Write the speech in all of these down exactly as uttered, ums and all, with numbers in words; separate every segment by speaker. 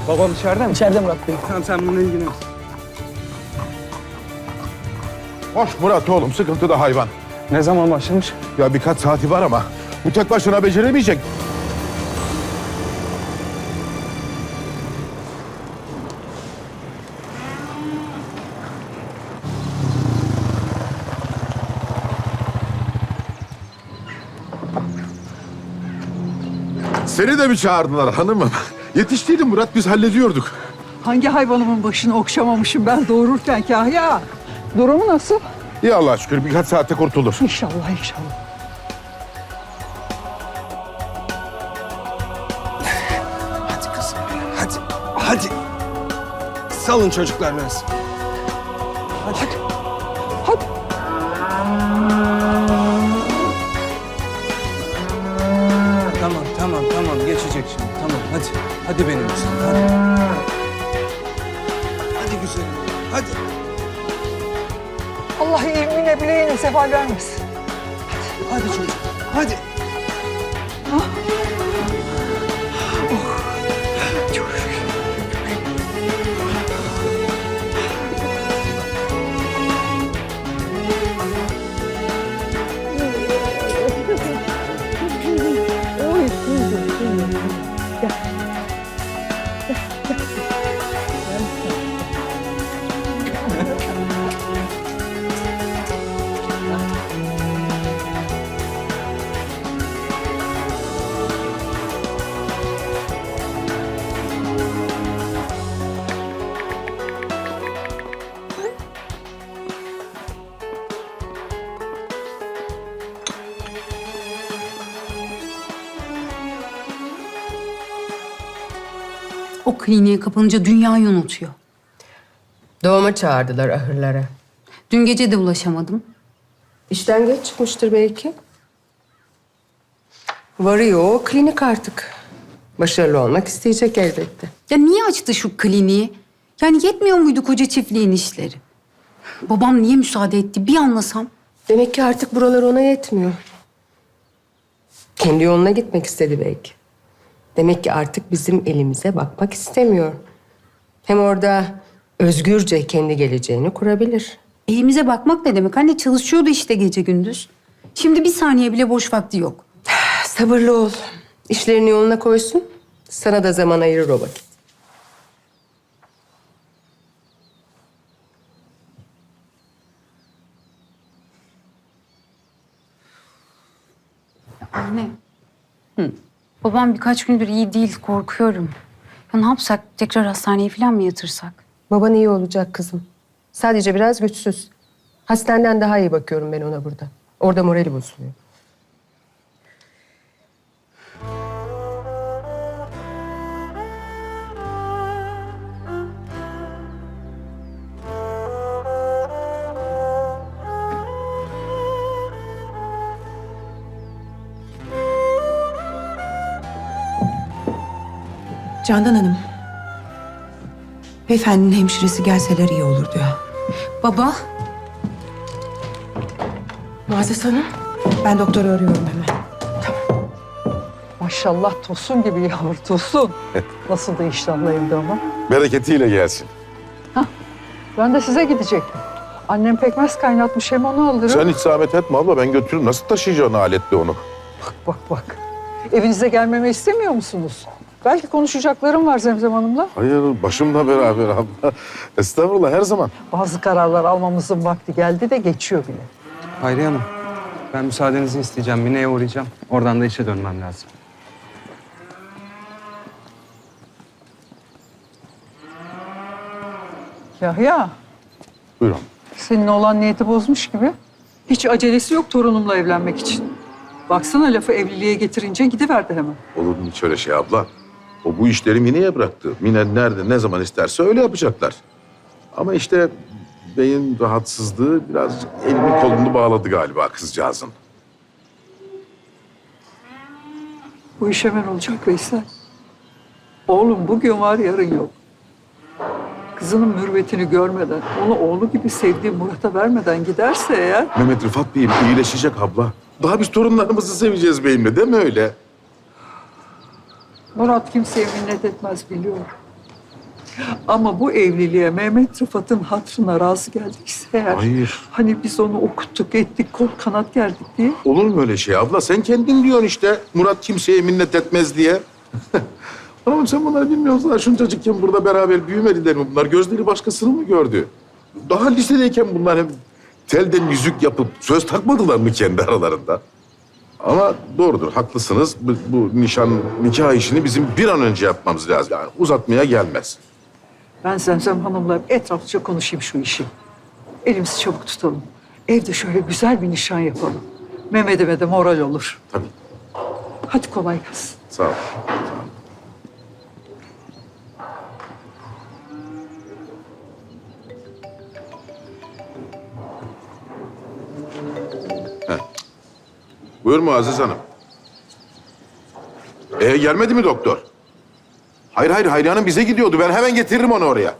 Speaker 1: Babam içeride mi?
Speaker 2: İçeride Murat Bey.
Speaker 1: Tamam sen bununla ilgilen.
Speaker 3: Hoş Murat oğlum, sıkıntıda hayvan.
Speaker 1: Ne zaman başlamış?
Speaker 3: Ya birkaç saati var ama bu tek başına beceremeyecek. Seni de mi çağırdılar hanımım? Yetiştiydin Murat, biz hallediyorduk.
Speaker 4: Hangi hayvanımın başını okşamamışım ben doğururken Kahya? Durumu nasıl?
Speaker 3: İyi Allah'a şükür, birkaç saatte kurtulur.
Speaker 4: İnşallah inşallah.
Speaker 1: Hadi kızım. Hadi. Hadi. Salın çocuklar biraz. Hadi.
Speaker 4: Hadi.
Speaker 1: Tamam tamam tamam geçecek şimdi. Tamam hadi. Hadi benim güzelim hadi. Hadi güzelim. Hadi.
Speaker 4: Allah ilmine bileğine sefa vermesin.
Speaker 1: Hadi çocuk. Hadi.
Speaker 4: Oy, kuzum, kuzum. Gel.
Speaker 5: O kliniğe kapanınca dünyayı unutuyor.
Speaker 6: Doğuma çağırdılar ahırlara.
Speaker 5: Dün gece de ulaşamadım.
Speaker 6: İşten geç çıkmıştır belki. Varıyor o klinik artık. Başarılı olmak isteyecek elbette.
Speaker 5: Ya niye açtı şu kliniği? Yani yetmiyor muydu koca çiftliğin işleri? Babam niye müsaade etti bir anlasam.
Speaker 6: Demek ki artık buralar ona yetmiyor. Kendi yoluna gitmek istedi belki. Demek ki artık bizim elimize bakmak istemiyor. Hem orada özgürce kendi geleceğini kurabilir.
Speaker 5: Elimize bakmak ne demek? Anne çalışıyordu işte gece gündüz. Şimdi bir saniye bile boş vakti yok.
Speaker 6: Sabırlı ol. İşlerini yoluna koysun. Sana da zaman ayırır o vakit.
Speaker 5: Anne. Hı. Babam birkaç gündür iyi değil, korkuyorum. Ya ne yapsak? Tekrar hastaneye falan mı yatırsak?
Speaker 6: Baban iyi olacak kızım. Sadece biraz güçsüz. Hastaneden daha iyi bakıyorum ben ona burada. Orada morali bozuluyor.
Speaker 7: Candan Hanım. Beyefendinin hemşiresi gelseler iyi olur diyor.
Speaker 5: Baba,
Speaker 6: Muazzez Hanım.
Speaker 7: Ben doktoru arıyorum hemen.
Speaker 4: Maşallah tosun gibi yavru tosun. Nasıl da iştahlı evde ama.
Speaker 3: Bereketiyle gelsin.
Speaker 4: Ben de size gidecektim. Annem pekmez kaynatmış hem onu alırım.
Speaker 3: Sen hiç zahmet etme abla, ben götürürüm. Nasıl taşıyacaksın aletle onu?
Speaker 4: Bak bak. Evinize gelmemi istemiyor musunuz? Belki konuşacaklarım var Zemzem Hanım'la.
Speaker 3: Hayır, başımla beraber abla. Estağfurullah, her zaman.
Speaker 4: Bazı kararlar almamızın vakti geldi de geçiyor bile.
Speaker 1: Hayriye Hanım. Ben müsaadenizi isteyeceğim. Mine'ye uğrayacağım. Oradan da işe dönmem lazım.
Speaker 4: Yahya,
Speaker 3: Buyurun.
Speaker 4: senin olan niyeti bozmuş gibi. Hiç acelesi yok torunumla evlenmek için. Baksana lafı evliliğe getirince gidiverdi hemen.
Speaker 3: Olur mu hiç öyle şey abla? O bu işleri Mine'ye bıraktı. Mine nerede, ne zaman isterse öyle yapacaklar. Ama işte beyin rahatsızlığı birazcık elini kolunu bağladı galiba kızcağızın.
Speaker 4: Bu iş hemen olacak Veysel. Oğlum bugün var yarın yok. Kızının mürvetini görmeden, onu oğlu gibi sevdiği Murat'a vermeden giderse eğer...
Speaker 3: Mehmet Rıfat Bey'im iyileşecek abla. Daha biz torunlarımızı seveceğiz beyimle, değil mi öyle?
Speaker 4: Murat kimseye minnet etmez biliyor. Ama bu evliliğe Mehmet Rıfat'ın hatırına razı geldiyse eğer...
Speaker 3: Hayır.
Speaker 4: Hani biz onu okuttuk, ettik, kol kanat gerdik diye.
Speaker 3: Olur mu öyle şey abla? Sen kendin diyorsun işte. Murat kimseye minnet etmez diye. Ama sen bunları bilmiyorsun. Şuncacıkken burada beraber büyümediler mi bunlar? Gözleri başkasını mı gördü? Daha lisedeyken bunlar hem telden yüzük yapıp söz takmadılar mı kendi aralarında? Ama doğrudur, haklısınız. Bu, bu nişan, nikah işini bizim bir an önce yapmamız lazım. Yani uzatmaya gelmez.
Speaker 4: Ben Zemzem Hanım'la etraflıca konuşayım şu işi. Elimizi çabuk tutalım. Evde şöyle güzel bir nişan yapalım. Mehmet'ime de moral olur.
Speaker 3: Tabii.
Speaker 4: Hadi kolay gelsin.
Speaker 3: Sağ ol. Heh. Buyur Muazzez Hanım. Ee, gelmedi mi doktor? Hayır hayır Hayri Hanım bize gidiyordu. Ben hemen getiririm onu oraya.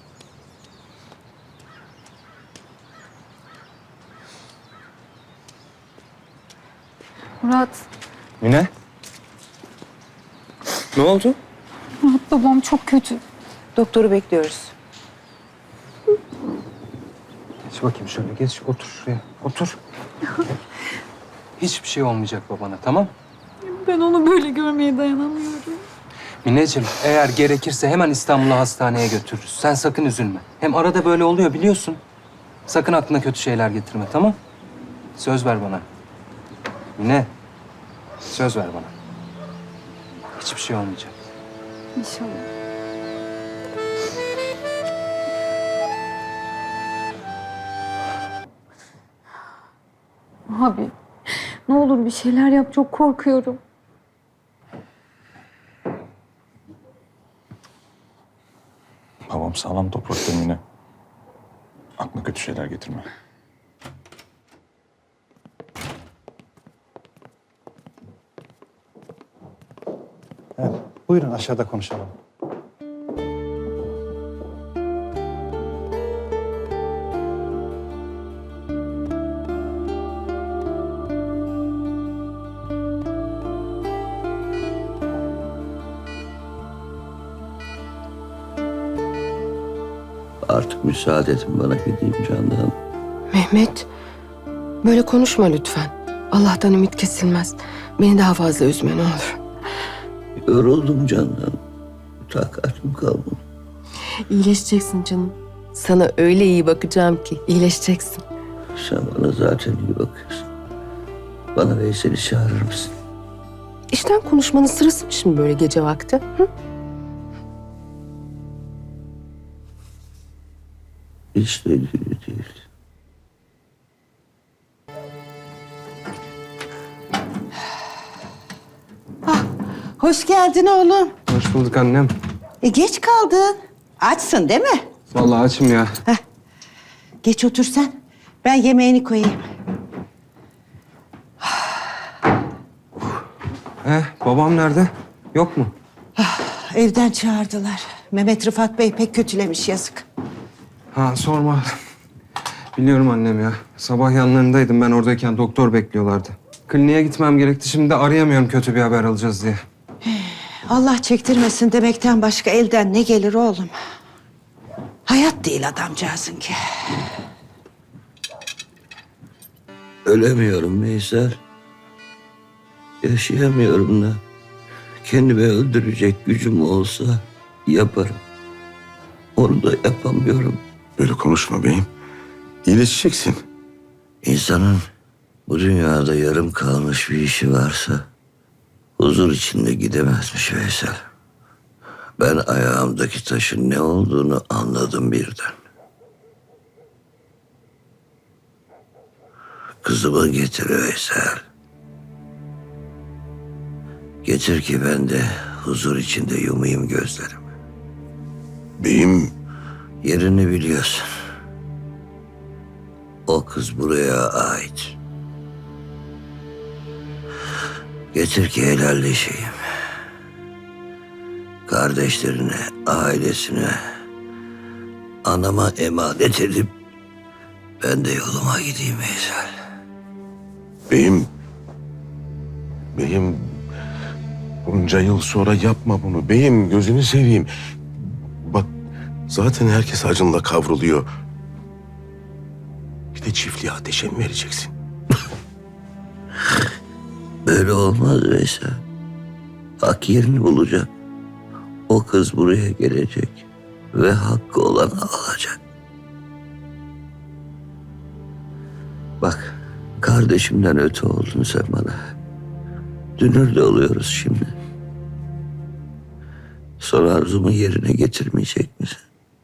Speaker 5: Murat,
Speaker 1: Mine? Ne oldu?
Speaker 5: Murat babam çok kötü.
Speaker 7: Doktoru bekliyoruz.
Speaker 1: Geç bakayım şöyle, geç. Otur şuraya, otur. Hiçbir şey olmayacak babana, tamam?
Speaker 5: Ben onu böyle görmeye dayanamıyorum.
Speaker 1: Mineciğim, eğer gerekirse hemen İstanbul'a hastaneye götürürüz. Sen sakın üzülme. Hem arada böyle oluyor biliyorsun. Sakın aklına kötü şeyler getirme, tamam? Söz ver bana. Mine, söz ver bana. Hiçbir şey olmayacak.
Speaker 5: İnşallah. Abi, ne olur bir şeyler yap. Çok korkuyorum.
Speaker 2: Babam sağlam toprakta yine. Aklına kötü şeyler getirme.
Speaker 8: Evet, buyurun aşağıda konuşalım.
Speaker 9: Artık müsaade edin bana gideyim Candan.
Speaker 6: Mehmet, böyle konuşma lütfen. Allah'tan ümit kesilmez. Beni daha fazla üzme ne olur.
Speaker 9: Yoruldum Candan. Takatim kalmadı.
Speaker 6: İyileşeceksin canım. Sana öyle iyi bakacağım ki iyileşeceksin.
Speaker 9: Sen bana zaten iyi bakıyorsun. Bana Veysel'i çağırır mısın?
Speaker 6: İşten konuşmanın sırası mı şimdi böyle gece vakti? Hı?
Speaker 9: Hiç de iyi değil.
Speaker 10: Hoş geldin oğlum.
Speaker 1: Hoş bulduk annem.
Speaker 10: E geç kaldın. Açsın değil mi?
Speaker 1: Vallahi açım ya.
Speaker 10: Geç otur sen. Ben yemeğini koyayım.
Speaker 1: Eh, babam nerede? Yok mu?
Speaker 10: Evden çağırdılar. Mehmet Rıfat Bey pek kötülemiş yazık.
Speaker 1: Ha sorma. Biliyorum annem ya. Sabah yanlarındaydım ben oradayken doktor bekliyorlardı. Kliniğe gitmem gerekti. Şimdi de arayamıyorum kötü bir haber alacağız diye.
Speaker 10: Allah çektirmesin demekten başka elden ne gelir oğlum? Hayat değil adamcağızın ki.
Speaker 9: Ölemiyorum Veysel. Yaşayamıyorum da. Kendimi öldürecek gücüm olsa yaparım. Onu da yapamıyorum.
Speaker 3: Böyle konuşma beyim. İyileşeceksin.
Speaker 9: İnsanın bu dünyada yarım kalmış bir işi varsa huzur içinde gidemezmiş Veysel. Ben ayağımdaki taşın ne olduğunu anladım birden. Kızımı getir Veysel. Getir ki ben de huzur içinde yumayım gözlerimi.
Speaker 3: Beyim
Speaker 9: Yerini biliyorsun. O kız buraya ait. Getir ki helalleşeyim. Kardeşlerine, ailesine, anama emanet edip ben de yoluma gideyim Veysel.
Speaker 3: Beyim, beyim bunca yıl sonra yapma bunu. Beyim gözünü seveyim. Bak
Speaker 11: Zaten herkes acınla kavruluyor. Bir de çiftliğe ateşe mi vereceksin?
Speaker 9: Böyle olmaz Veysel. Hak yerini bulacak. O kız buraya gelecek ve hakkı olanı alacak. Bak, kardeşimden öte oldun sen bana. Dünür de oluyoruz şimdi. Son arzumu yerine getirmeyecek misin?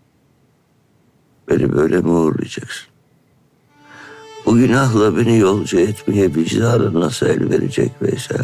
Speaker 9: Beni böyle mi uğurlayacaksın? Bu günahla beni yolcu etmeye vicdanın nasıl el verecek Veysel?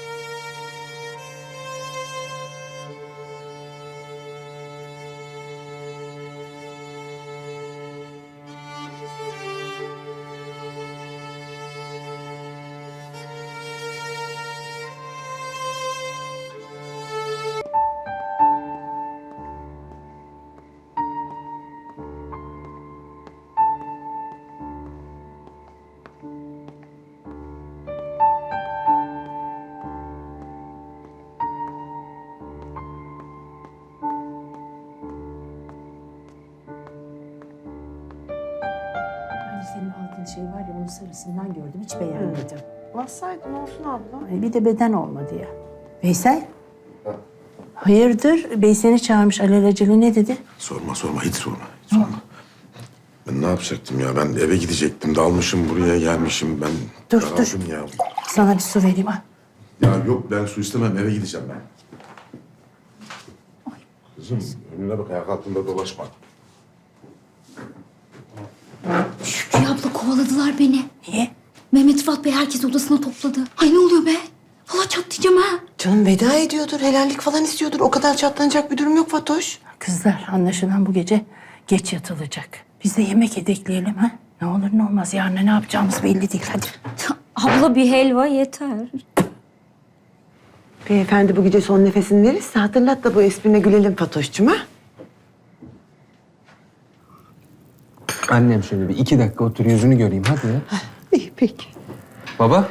Speaker 12: Hani senin aldığın şey var ya, onun sarısından gördüm. Hiç beğenmedim.
Speaker 10: Bassaydın olsun abla.
Speaker 12: Hani bir de beden olmadı ya. Veysel? Hayırdır? Bey seni çağırmış alelacele, ne dedi?
Speaker 11: Sorma sorma hiç sorma. Hiç sorma. Ben ne yapacaktım ya? Ben eve gidecektim. Dalmışım buraya gelmişim. Ben
Speaker 12: Dur,
Speaker 11: daraldım
Speaker 12: dur.
Speaker 11: ya.
Speaker 12: Sana bir su vereyim ha.
Speaker 11: Ya yok ben su istemem. Eve gideceğim ben. Kızım önüne bak, ayak altında dolaşma.
Speaker 13: Şükrü abla kovaladılar beni.
Speaker 12: Niye?
Speaker 13: Mehmet Rıfat Bey herkes odasına topladı. Ay ne oluyor be? Valla çatlayacağım ha.
Speaker 10: Canım veda ediyordur, helallik falan istiyordur. O kadar çatlanacak bir durum yok Fatoş.
Speaker 12: Kızlar, anlaşılan bu gece geç yatılacak. Biz de yemek yedekleyelim ha. Ne olur ne olmaz, yarın ne yapacağımız belli değil. Hadi.
Speaker 13: Abla bir helva yeter.
Speaker 10: Beyefendi bu gece son nefesini verirse hatırlat da bu esprine gülelim Fatoş'cum ha.
Speaker 1: Annem şöyle bir iki dakika otur yüzünü göreyim hadi ya.
Speaker 10: İyi peki.
Speaker 1: Baba.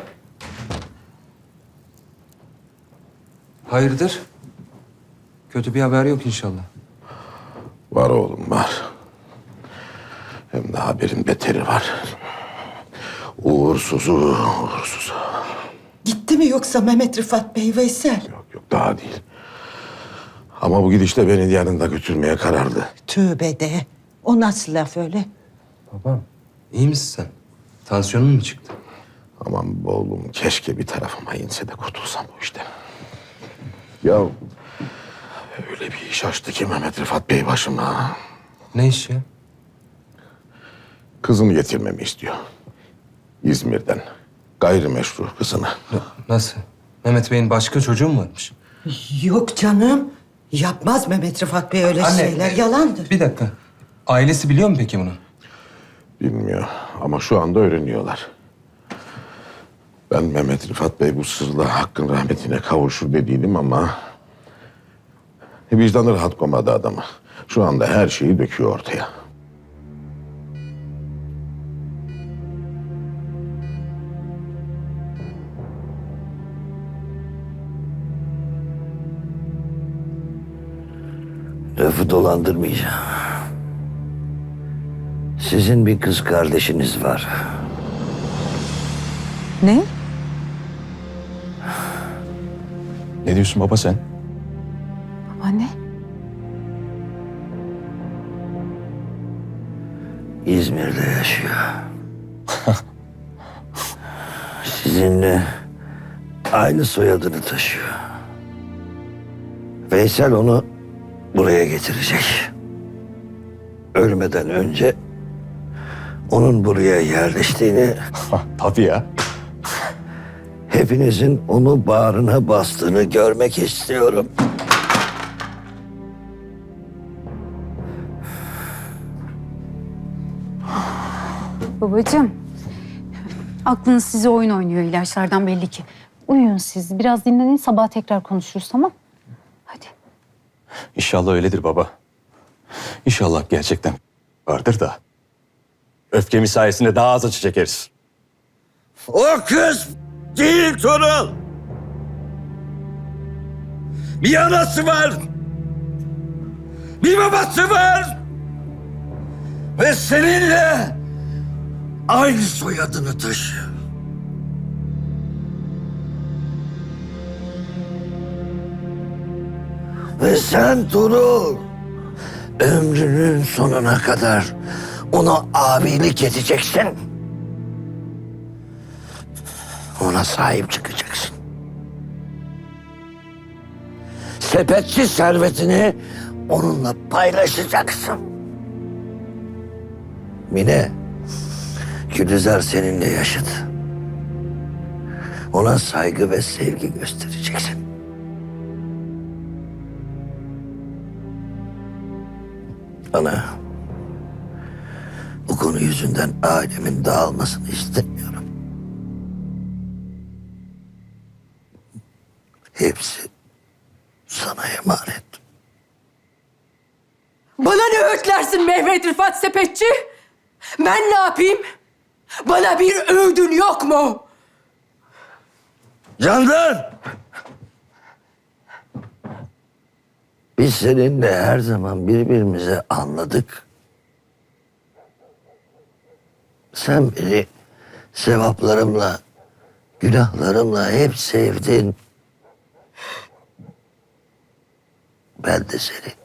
Speaker 1: Hayırdır? Kötü bir haber yok inşallah.
Speaker 11: Var oğlum var. Hem de haberin beteri var. Uğursuzu, uğursuzu.
Speaker 10: Gitti mi yoksa Mehmet Rıfat Bey Veysel?
Speaker 11: Yok yok daha değil. Ama bu gidişle beni yanında götürmeye kararlı.
Speaker 10: Tövbe de. O nasıl laf öyle?
Speaker 1: Babam iyi misin sen? Tansiyonun mu çıktı?
Speaker 11: Aman be oğlum keşke bir tarafıma inse de kurtulsam bu işten. Ya öyle bir iş açtı ki Mehmet Rıfat Bey başıma.
Speaker 1: Ne iş ya?
Speaker 11: Kızını getirmemi istiyor. İzmir'den. Gayrimeşru kızını.
Speaker 1: Nasıl? Mehmet Bey'in başka çocuğu mu varmış?
Speaker 10: Yok canım. Yapmaz Mehmet Rıfat Bey öyle şeyler.
Speaker 1: e,
Speaker 10: Yalandır.
Speaker 1: Bir dakika. Ailesi biliyor mu peki bunu?
Speaker 11: Bilmiyor ama şu anda öğreniyorlar. Ben Mehmet Rıfat Bey bu sırla hakkın rahmetine kavuşur dediydim ama... vicdanı rahat koymadı adamı. Şu anda her şeyi döküyor ortaya.
Speaker 9: Lafı dolandırmayacağım. Sizin bir kız kardeşiniz var.
Speaker 10: Ne?
Speaker 2: Ne diyorsun baba sen?
Speaker 5: Anne.
Speaker 9: İzmir'de yaşıyor. Sizinle aynı soyadını taşıyor. Veysel onu buraya getirecek. Ölmeden önce onun buraya yerleştiğini,
Speaker 2: Tabii ya.
Speaker 9: hepinizin onu bağrına bastığını görmek istiyorum.
Speaker 5: Babacığım. Aklınız size oyun oynuyor ilaçlardan belli ki. Uyuyun siz. Biraz dinlenin, sabah tekrar konuşuruz, tamam? Hadi.
Speaker 2: İnşallah öyledir baba. İnşallah gerçekten vardır da. Öfkemiz sayesinde daha az acı çekeriz.
Speaker 9: O kız değil Tuğrul. Bir anası var. bir babası var. Ve seninle aynı soyadını taşıyor. Ve sen Tuğrul, ömrünün sonuna kadar ona abilik edeceksin. Ona sahip çıkacaksın. Sepetçi servetini onunla paylaşacaksın. Mine, Gülizar seninle yaşadı. Ona saygı ve sevgi göstereceksin. Ana, bu konu yüzünden ailemin dağılmasını istemiyorum. Hepsi sana emanet.
Speaker 6: Bana ne öğütlersin Mehmet Rıfat Sepetçi? Ben ne yapayım? Bana bir öğüdün yok mu?
Speaker 9: Candan! Biz seninle her zaman birbirimize anladık. Sen beni sevaplarımla, günahlarımla hep sevdin. Ben de seni